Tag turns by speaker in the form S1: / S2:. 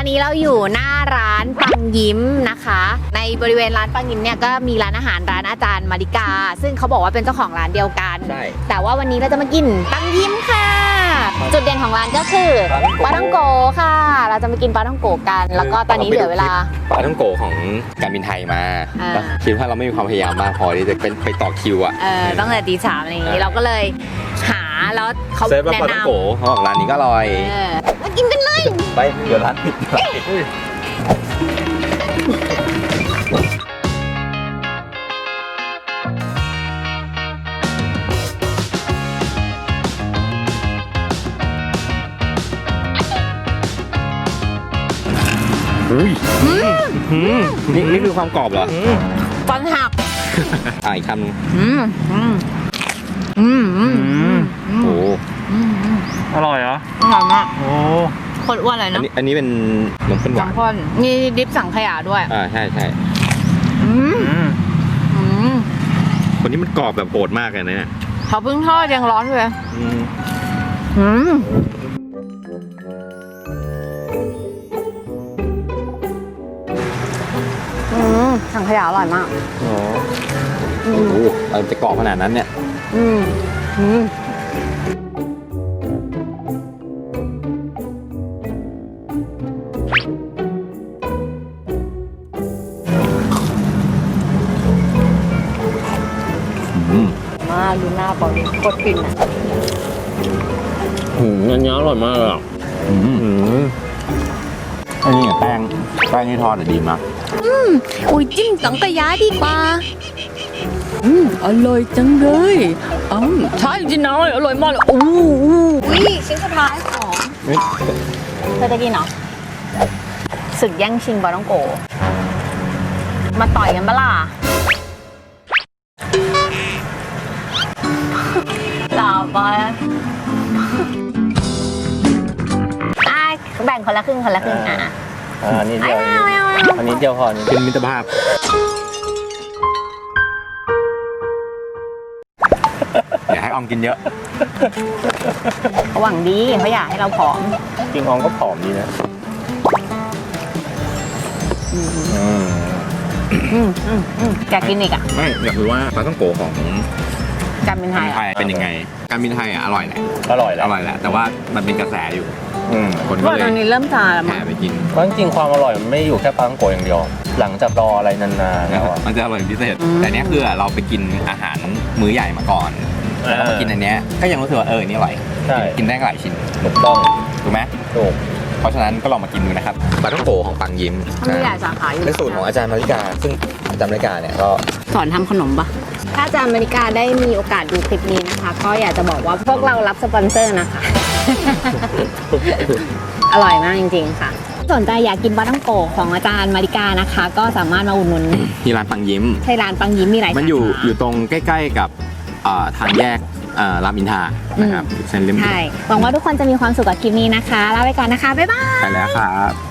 S1: อนนี้เราอยู่หน้าร้านปังยิ้มนะคะ ในบริเวณร้านปังยิ้มเนี่ยก็มีร้านอาหารร้านอาจารย์มาริกาซึ่งเขาบอกว่าเป็นเจ้าของร้านเดียวกันแต่ว่าวันนี้เราจะมากินปังยิ้มค่ะจุดเด่นของร้านก็คือปลาท่องโกค่ะเราจะมากินปลาท่องโกกันแล้วก็ตอนนี้เหลือเวลา
S2: ปลาท่องโกของการบินไทยมาคิดว่าเราไม่มีความพยายามมากพอที่จะไปต่อคิวอ่ะ
S1: ต้องแต่ตี 3อะไรอย่างนี้เราก็เลยหาแล้วเขาแนะนำปลาท่องโก
S2: เขาบอกร้านนี้ก็อร่อย
S1: มากินกันเลย
S2: ไปเดี๋ยวร้านปิดนี่คือความกรอบเหรอ
S1: ฟันหัก
S2: อีกคำนึง
S3: โอ้อร่อยเหรอ
S1: อร่อยมาก
S3: โอ้
S1: คนอ้วนเลยเนาะ
S2: อันนี้เป็นขนมข้นหวาน
S1: นี่ดิฟสังขยาด้วย
S2: ใช่คนนี้มันกรอบแบบโหดมากเลยนะเนี่ย
S1: เขาเพิ่งทอดยังร้อนเลยสังขยาอร่อยมาก
S2: โอ้โหมันจะกรอบขนาดนั้นเนี่ย
S1: ดูหน้าปอยกดปิ่นอ่ะ
S2: อันนี้อร่อยมากเลยอันนี้แป้งที่ทอดดีมาก
S1: อุ้ยจิ้มสังขยาดีกว่าอร่อยจังเลยใช่จริงนะอร่อยมากเลยชิ้นสุดท้ายของเธอจะกินเหรอศึกแย่งชิงปลาท่องโกมาต่อยกันปะล่ะต่อไปแบ่งคนละครึ่ง
S3: อันนี้เดียวอันนี้เดียวพอ
S2: เป็นมิตรภาพอย่าให้ออมกินเยอะ
S1: หวังดีเขาอยากให้เราผอม
S3: จริงออมก็ผอมดีนะ
S1: อยากกินอีกอ่ะ
S2: ไม่อยากรู้ว่าปลาท่องโกของ
S1: การบินไทย
S2: เป็นยังไงการบินไทยอร่อยแหละ
S3: อร่อยแหละ
S2: แต่ว่ามันเป็นกระแสอยู่
S1: คนก็เลยตอนนี้เริ่มซาแล้ว
S2: แห่ไปกิน
S3: เพราะจริงๆความอร่อยมันไม่อยู่แค่ปลาท่องโกอย่างเดียวหลังจากรออะไรนานๆแล้ว
S2: มันจะอร่อยพิเศษแต่เนี้ยคือเราไปกินอาหารมื้อใหญ่มาก่อนแล้วมากินอันเนี้ยก็ยังรู้สึกว่านี่อร่อยกินได้หลายชิ้น
S3: ถูกต้อง
S2: ถูกไหม
S3: ถูก
S2: เพราะฉะนั้นก็ลองมากินดูนะครับปลาท่องโกของปังยิ้ม
S1: มีหลายสาขาอยู่
S2: เป็นสูตรของอาจารย์มาริกาซึ่งอาจารย์มาริกาเนี่ยก็
S1: สอนทำขนมปะถ้าอาจารย์มาริกาได้มีโอกาสดูคลิปนี้นะคะก็อยากจะบอกว่าพวกเรารับสปอนเซอร์นะคะ อร่อยมากจริงๆค่ะสนใจอยากกินปลาท่องโกของอาจารย์มาริกานะคะก็สามารถมาอุดหนุน
S2: ที่ร้านปังยิ้ม
S1: ใช่ร้านปังยิ้มมีหลาย
S2: มันอยู่ตรงใกล้ๆกับทางแยกรามอินทรานะครับเส้นเล่ม
S1: ใช่หวังว่าทุกคนจะมีความสุขกับคลิปนี้นะคะลาไปก่อนนะคะบ๊ายบาย
S2: ไปแล้วครับ